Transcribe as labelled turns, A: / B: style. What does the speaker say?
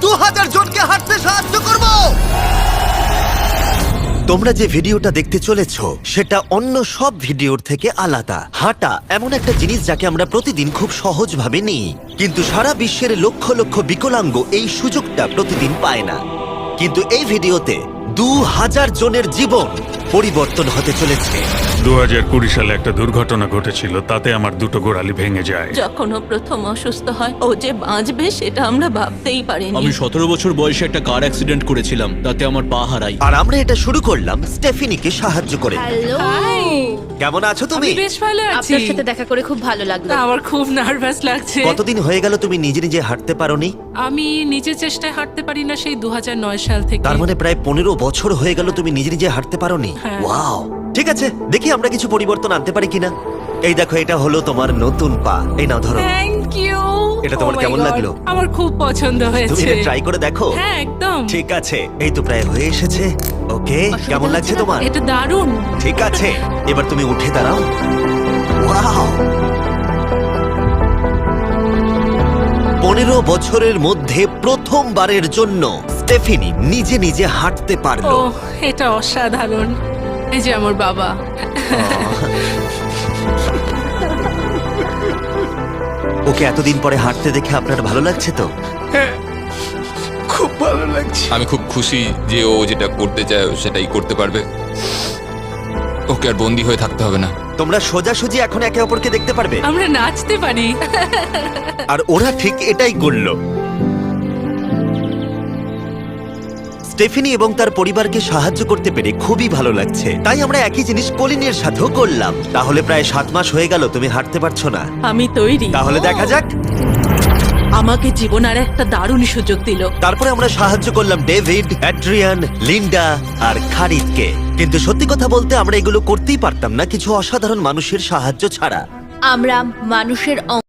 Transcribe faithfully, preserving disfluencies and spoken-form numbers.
A: দু হাজার জনকে হাঁটতে সাহায্য করব। তোমরা যে ভিডিওটা দেখতে চলেছো সেটা অন্য সব ভিডিওর থেকে আলাদা। হাঁটা এমন একটা জিনিস যাকে আমরা প্রতিদিন খুব সহজভাবে নিই, কিন্তু সারা বিশ্বের লক্ষ লক্ষ বিকলাঙ্গ এই সুযোগটা প্রতিদিন পায় না। কিন্তু এই ভিডিওতে দু হাজার জনের জীবন পরিবর্তন হতে চলেছে।
B: দু হাজার কুড়ি সালে একটা দুর্ঘটনা ঘটেছিল, তাতে আমার দুটো গোড়ালি ভেঙে যায়।
C: যখন ও প্রথম অসুস্থ হয়, ও যে বাঁচবে সেটা আমরা ভাবতেই পারিনি।
D: আমি সতেরো বছর বয়সে একটা কার অ্যাক্সিডেন্ট করেছিলাম, তাতে আমার পা হারাই।
A: আর আমরা এটা শুরু করলাম স্টেফিনিকে সাহায্য করে।
E: হ্যালো,
A: কেমন আছো তুমি?
F: আমি বেশ ভালো আছি।
E: আপনার সাথে দেখা করে খুব ভালো লাগলো।
F: আমার খুব নার্ভাস লাগছে।
A: কতদিন হয়ে গেল তুমি নিজে নিজে হাঁটতে পারোনি?
F: আমি নিজের চেষ্টায় হাঁটতে পারি না সেই দু হাজার নয় সাল থেকে।
A: তার মানে প্রায় পনেরো বছর হয়ে গেল তুমি নিজে নিজে হাঁটতে পারোনি।
F: হ্যাঁ।
A: ওয়াও, ঠিক আছে, দেখি আমরা কিছু পরিবর্তন আনতে পারি কিনা। এই দেখো, এটা হলো তোমার নতুন পা। এই নাও, ধরো।
F: Thank you.
A: এটা তোমার কেমন লাগলো?
F: আমার খুব পছন্দ
A: তুমি
F: হয়েছে।
A: এটা ট্রাই করে দেখো।
F: হ্যাঁ, একদম।
A: ঠিক আছে, এই তো প্রায় হয়ে এসেছে। ওকে, কেমন লাগছে তোমার?
F: এটা দারুণ।
A: ঠিক আছে, এবার তুমি উঠে দাঁড়াও। ওয়াও, পনেরো বছরের মধ্যে প্রথমবারের জন্য স্টেফিনি নিজে নিজে হাঁটতে
F: ও,
A: পারলো।
F: এটা অসাধারণ। এই যে আমার বাবা।
A: ওকে এতদিন পরে হাঁটতে দেখে আপনার ভালো লাগছে তো?
G: খুব ভালো লাগছে। আমি খুব খুশি যে ও যেটা করতে চায় ও সেটাই করতে পারবে। ওকে আর বন্দি হয়ে থাকতে হবে না।
A: তোমরা সোজাসুজি এখন একে অপরকে দেখতে পারবে।
F: আমরা নাচতে পারি।
A: আর ওরা ঠিক এটাই করলো। স্টেফিনি এবং তার পরিবারকে সাহায্য করতে পেরে খুবই ভালো লাগছে। তাই আমরা একই জিনিস কলিনের সাথেও করলাম। তাহলে প্রায় সাত মাস হয়ে গেল তুমি হাঁটতে পারছো না।
C: আমি তৈরি।
A: তাহলে দেখা যাক।
C: আমাকে জীবন আর একটা দারুণ সুযোগ দিল।
A: তারপরে আমরা সাহায্য করলাম ডেভিড, অ্যাড্রিয়ান, লিন্ডা আর খারিদকে। কিন্তু সত্যি কথা বলতে আমরা এগুলো করতেই পারতাম না কিছু অসাধারণ মানুষের সাহায্য ছাড়া।
E: আমরা মানুষের